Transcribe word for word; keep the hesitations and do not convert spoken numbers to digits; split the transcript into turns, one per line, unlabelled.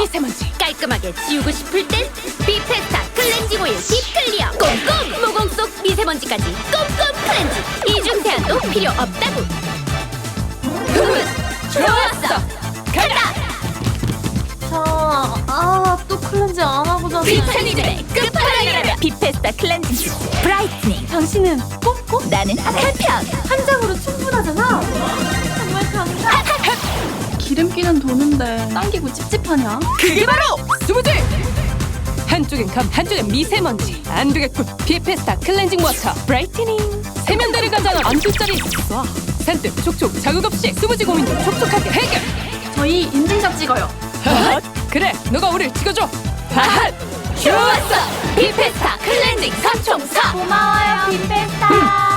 미세먼지 깔끔하게 지우고 싶을 땐 비페스타 클렌징 오일 딥클리어. 꼼꼼 모공 속 미세먼지까지 꼼꼼 클렌징. 이중 세안도 필요 없다고. 굿 좋았어. 간다.
자, 아, 또 클렌징 안 하고 자네.
비타민의 끝판왕이라면 비페스타 클렌징 브라이트닝.
당신은 꼼꼼?
나는 한 편.
한 장으로 충분하잖아. 정말 감사. 기름기는 도는데 당기고 찝찝하냐?
그게 바로 수부지. 한쪽엔 감, 한쪽엔 미세먼지. 안 되겠군. 비페스타 클렌징 워터 브라이트닝. 세면대를 가잖아. 안뒷자리 쏴. 산뜻 촉촉 자극 없이 수부지 고민도 촉촉하게 해결.
저희 인증샷 찍어요.
핫! 그래, 너가 우릴 찍어줘. 핫! 좋았어. 비페스타 클렌징 삼총사.
고마워요, 빈페스타.